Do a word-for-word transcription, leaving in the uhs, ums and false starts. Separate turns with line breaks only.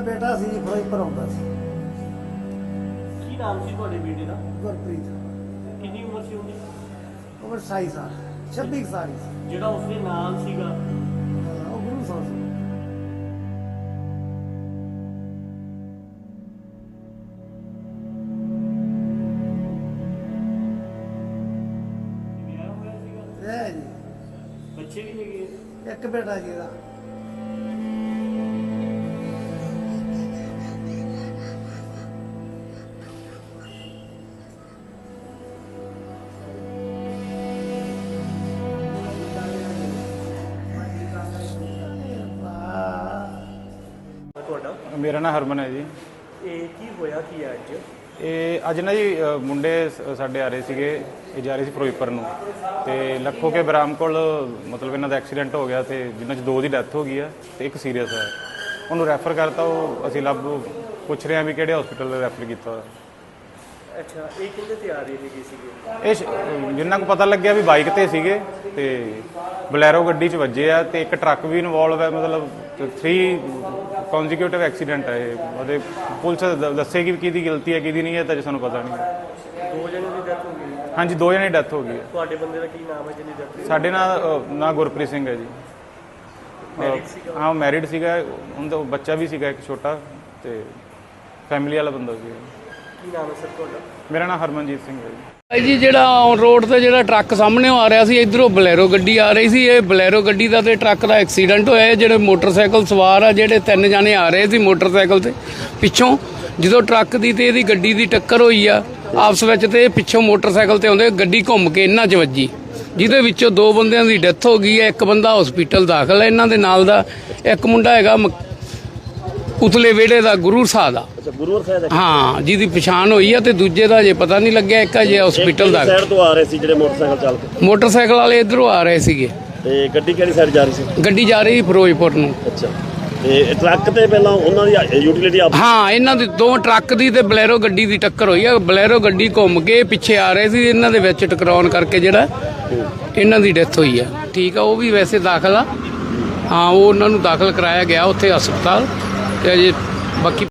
बेटा सी फिरोजपुर आउंदा सी।
की नाम सी तुहाडे बेटे दा?
गुरप्रीत।
कितनी उम्र सी उहदी?
उम्र सताई साल छब्बी साल सी।
ਜਿਹੜਾ ਉਸਦੇ ਨਾਲ ਸੀਗਾ
ਉਹ ਗੁਰੂ ਸਾਹਿਬ ਸੀ।
ਵਿਆਹ ਹੋਇਆ ਸੀਗਾ?
ਹੈ ਜੀ
ਬੱਚੇ ਵੀ ਹੈਗੇ ਆ?
ਇੱਕ ਬੇਟਾ ਜੀ ਦਾ।
ਤੁਹਾਡਾ?
ਮੇਰਾ ਨਾਮ ਹਰਮਨ ਹੈ ਜੀ।
ਇਹ ਕੀ ਹੋਇਆ ਕੀ ਹੈ ਅੱਜ?
ਇਹ ਅੱਜ ਨਾ ਜੀ ਅ, ਮੁੰਡੇ ਸ- ਸਾਡੇ ਆ ਰਹੇ ਸੀਗੇ, ਇਹ ਜਾ ਰਹੇ ਸੀ ਫਿਰੋਜ਼ਪੁਰ ਨੂੰ, ਤੇ ਲੱਖੋ ਕੇ ਬਰਾਮ ਕੋਲ ਮਤਲਬ ਇਹਨਾਂ ਦਾ ਐਕਸੀਡੈਂਟ ਹੋ ਗਿਆ ਤੇ ਜਿਨ੍ਹਾਂ 'ਚ ਦੋ ਦੀ ਡੈਥ ਹੋ ਗਈ ਹੈ ਤੇ ਇੱਕ ਸੀਰੀਅਸ ਹੈ। ਉਹਨੂੰ ਰੈਫਰ ਕਰਤਾ, ਉਹ ਅਸੀਂ ਲੱਭ ਪੁੱਛ ਰਹੇ ਹਾਂ ਵੀ ਕਿਹੜੇ ਹਸਪੀਟਲ ਰੈਫਰ ਕੀਤਾ ਹੋਇਆ।
ਅੱਛਾ, ਇਹ ਕਿੰਦੇ ਤੇ ਆ ਰਹੇ ਹੈਗੇ ਸੀਗੇ?
ਇਹ ਸ਼- ਜਿੰਨਾ ਕੁ ਪਤਾ ਲੱਗਿਆ ਵੀ ਬਾਈਕ ਤੇ ਸੀਗੇ ਤੇ ਬਲੈਰੋ ਗੱਡੀ 'ਚ ਵੱਜੇ ਆ ਤੇ ਇੱਕ ਟਰੱਕ ਵੀ ਇਨਵੋਲਵ ਹੈ। ਮਤਲਬ ਥ੍ਰੀ ਕੌਨਜੀਕਿਊਟਿਵ ਐਕਸੀਡੈਂਟ ਹੈ ਇਹ। ਉਹਦੇ ਪੁਲਿਸ ਦ- ਦੱਸੇਗੀ ਵੀ ਕਿਹਦੀ ਗਲਤੀ ਹੈ ਕਿਹਦੀ ਨਹੀਂ ਹੈ, ਤਾਂ ਜੇ ਸਾਨੂੰ ਪਤਾ ਨਹੀਂ।
ਦੋ ਜਣੇ ਦੀ ਡੈਥ ਹੋ ਗਈ?
ਹਾਂਜੀ, ਦੋ ਜਣੇ ਦੀ ਡੈਥ ਹੋ ਗਈ ਹੈ।
ਤੁਹਾਡੇ ਬੰਦੇ ਦਾ ਕੀ ਨਾਮ ਹੈ ਜਿਹਦੀ ਡੈਥ ਹੋਈ?
ਸਾਡੇ ਨਾਲ ਅ, ਨਾਂ ਗੁਰਪ੍ਰੀਤ ਸਿੰਘ ਹੈ ਜੀ।
Married
ਅ,
ਸੀਗਾ?
ਹਾਂ, ਮੈਰਿਡ ਸੀਗਾ। ਉਹਦਾ ਬੱਚਾ ਵੀ ਸੀਗਾ ਇੱਕ ਛੋਟਾ, ਤੇ ਫੈਮਿਲੀ ਵਾਲਾ ਬੰਦਾ ਸੀ।
ਕੀ ਨਾਮ ਹੈ ਸਰ ਤੁਹਾਡਾ?
ਮੇਰਾ ਨਾਮ ਹਰਮਨਜੀਤ ਸਿੰਘ ਹੈ ਜੀ।
ਭਾਈ ਜੀ, ਜਿਹੜਾ ਔਨ ਰੋਡ ਤੇ ਜਿਹੜਾ ਟਰੱਕ ਸਾਹਮਣੇ ਆ ਰਿਹਾ ਸੀ, ਇਧਰੋਂ ਬਲੈਰੋ ਗੱਡੀ ਆ ਰਹੀ ਸੀ। ਇਹ ਬਲੈਰੋ ਗੱਡੀ ਦਾ ਤੇ ਟਰੱਕ ਦਾ ਐਕਸੀਡੈਂਟ ਹੋਇਆ। ਇਹ ਜਿਹੜੇ ਮੋਟਰਸਾਈਕਲ ਸਵਾਰ ਆ, ਜਿਹੜੇ ਤਿੰਨ ਜਾਣੇ ਆ ਰਹੇ ਸੀ ਮੋਟਰਸਾਈਕਲ ਤੇ, ਪਿੱਛੋਂ ਜਦੋਂ ਟਰੱਕ ਦੀ ਤੇ ਇਹਦੀ ਗੱਡੀ ਦੀ ਟੱਕਰ ਹੋਈ ਆ ਆਪਸ ਵਿੱਚ, ਤੇ ਇਹ ਪਿੱਛੋਂ ਮੋਟਰਸਾਈਕਲ ਤੇ ਆਉਂਦੇ ਗੱਡੀ ਘੁੰਮ ਕੇ ਇਹਨਾਂ 'ਚ ਵੱਜੀ, ਜਿਹਦੇ ਵਿੱਚੋਂ ਦੋ ਬੰਦਿਆਂ ਦੀ ਡੈਥ ਹੋ ਗਈ ਹੈ। ਇੱਕ ਬੰਦਾ ਹਸਪੀਟਲ ਦਾਖਲ ਹੈ। ਇਹਨਾਂ ਦੇ ਨਾਲ ਦਾ ਇੱਕ ਮੁੰਡਾ ਹੈਗਾ ਮ- ਉਤਲੇ ਵਿਹੜੇ ਦਾ, ਗੁਰੂ ਸਾਹਿਬ ਦਾ।
ਅੱਛਾ, ਗੁਰੂਵਰ ਸਾਹਿਬ ਦਾ?
ਹਾਂ, ਜਿਹਦੀ ਪਛਾਣ ਹੋਈ ਆ, ਤੇ ਦੂਜੇ ਦਾ ਜੇ ਪਤਾ ਨਹੀਂ ਲੱਗਿਆ। ਇੱਕ ਅਜੇ ਹਸਪੀਟਲ ਦਾ।
ਸਾਈਡ ਤੋਂ ਆ ਰਹੇ ਸੀ ਜਿਹੜੇ ਮੋਟਰਸਾਈਕਲ ਚਾਲਕ?
ਮੋਟਰਸਾਈਕਲ ਵਾਲੇ ਇਧਰੋਂ ਆ ਰਹੇ ਸੀਗੇ,
ਤੇ ਗੱਡੀ ਕਿਹੜੀ ਸਾਈਡ ਜਾ ਰਹੀ ਸੀ?
ਗੱਡੀ ਜਾ ਰਹੀ ਫਿਰੋਜ਼ਪੁਰ ਨੂੰ।
ਅੱਛਾ, ਤੇ ਟਰੱਕ ਤੇ ਪਹਿਲਾਂ ਉਹਨਾਂ ਦੀ ਯੂਟਿਲਿਟੀ ਆਪ?
ਹਾਂ, ਇਹਨਾਂ ਦੀ ਦੋ ਟਰੱਕ ਦੀ ਤੇ ਬਲੈਰੋ ਗੱਡੀ ਦੀ ਟੱਕਰ ਹੋਈ ਆ। ਬਲੈਰੋ ਗੱਡੀ ਘੁੰਮ ਕੇ ਪਿੱਛੇ ਆ ਰਹੇ ਸੀ, ਇਹਨਾਂ ਦੇ ਵਿੱਚ ਟਕਰਾਉਣ ਕਰਕੇ ਜਿਹੜਾ ਇਹਨਾਂ ਦੀ ਡੈਥ ਹੋਈ ਆ। ਠੀਕ ਆ, ਉਹ ਵੀ ਵੈਸੇ ਦਾਖਲ ਆ। ਹਾਂ, ਉਹ ਉਹਨਾਂ ਨੂੰ ਦਾਖਲ ਕਰਾਇਆ ਗਿਆ ਉੱਥੇ ਹਸਪਤਾਲ, ਤੇ ਅਜੇ ਬਾਕੀ